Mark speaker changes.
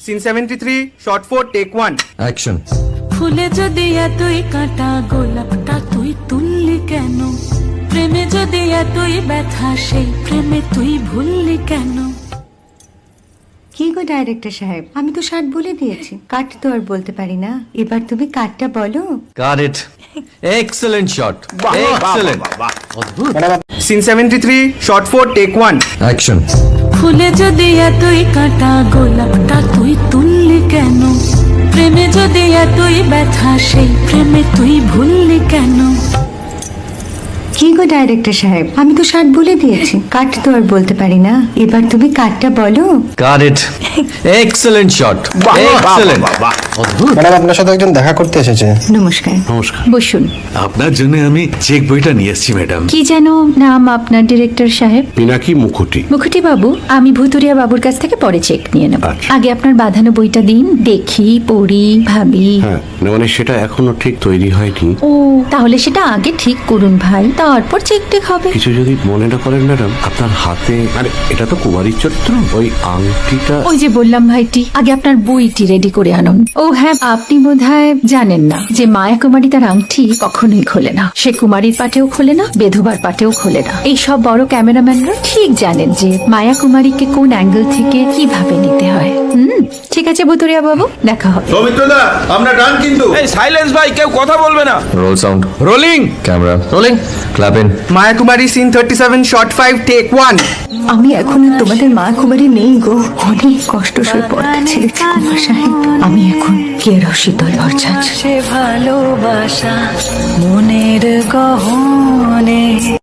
Speaker 1: Scene 73, shot 4, take 1.
Speaker 2: Action.
Speaker 3: ফুলে যদি এতই কাঁটা গোলাপটা তুই তুললি কেন? প্রেমে যদি এতই ব্যথা সেই প্রেমে তুই ভুললি কেন?
Speaker 4: কি গো ডাইরেক্টর সাহেব, আমি তো 60 বলে দিয়েছি, কাট তো আর বলতে পারি না, এবার তুমি কাটটা বলো।
Speaker 2: Got it. Excellent shot, excellent.
Speaker 1: Scene 73, shot 4, take 1.
Speaker 2: Action.
Speaker 3: ফুলে যদি এতই কাঁটা গোলাপটা তুই তুললি কেন? প্রেমে যদি এতই ব্যথা সেই প্রেমে তুই ভুললি কেন?
Speaker 4: কি গো ডাইরেক্টর সাহেব, আমি তো 60 বলে দিয়েছি, কাট তো আর বলতে পারি না, এবার তুমি কাটটা বলো।
Speaker 2: Got it. Excellent shot, excellent.
Speaker 5: Madam, আপনার সাথে একজন দেখা করতে এসেছে।
Speaker 4: নমস্কার।
Speaker 6: নমস্কার।
Speaker 4: বসুন।
Speaker 6: আপনার জন্য আমি চেক বইটা নিয়ে এসেছি ম্যাডাম।
Speaker 4: কি যেন নাম আপনার ডিরেক্টর সাহেব?
Speaker 6: পিনাকি মুখোটি।
Speaker 4: মুখুটি বাবু, আমি ভুতুরিয়া বাবুর কাছ থেকে পরে চেক নিয়ে নেব।
Speaker 6: আচ্ছা।
Speaker 4: আগে আপনার বাঁধানো বইটা দিন, দেখি, পড়ি, ভাবি।
Speaker 6: হ্যাঁ, না মানে সেটা এখনো ঠিক তৈরি হয়নি।
Speaker 4: ও, তাহলে সেটা আগে ঠিক করুন ভাই, তারপর চেক টেক হবে।
Speaker 6: কিছু যদি মনে না করেন ম্যাডাম, আপনার হাতে মানে এটা তো কুমারীর চরিত্র, ওই আংটিটা।
Speaker 4: ওই যে বললাম ভাইটি, আগে আপনার বইটি রেডি করে আনুন। ও হ্যাঁ, আপনি বোধহয় জানেন না যে মায়া কুমারী তার আংটি কখনোই খোলে না। সে কুমারীর পাটেও খোলে না, বেধবার পাটেও খোলে না। এই সব বড় ক্যামেরাম্যানরা ঠিক জানেন যে মায়া কুমারীকে কোন অ্যাঙ্গেল থেকে কিভাবে নিতে হয়। ঠিক আছে ভুতুরিয়া বাবু, দেখা হবে।
Speaker 7: সৌমিত্রদা, আমরা ডান কিন্তু।
Speaker 1: এই সাইলেন্স ভাই, কেউ কথা বলবে না।
Speaker 2: Roll sound,
Speaker 1: rolling.
Speaker 2: Camera rolling, clap in.
Speaker 1: Maya Kumari, scene 37, shot 5, take 1.
Speaker 4: আমি এখন আর তোমাদের মা কুমারী নেই গো, অনেক কষ্ট সয়ে পড়তে ছেড়েছি কুমার সাহেব। আমি এখন কেরো শীতল ভরছাছ।
Speaker 3: সে ভালোবাসা মনের গহনে।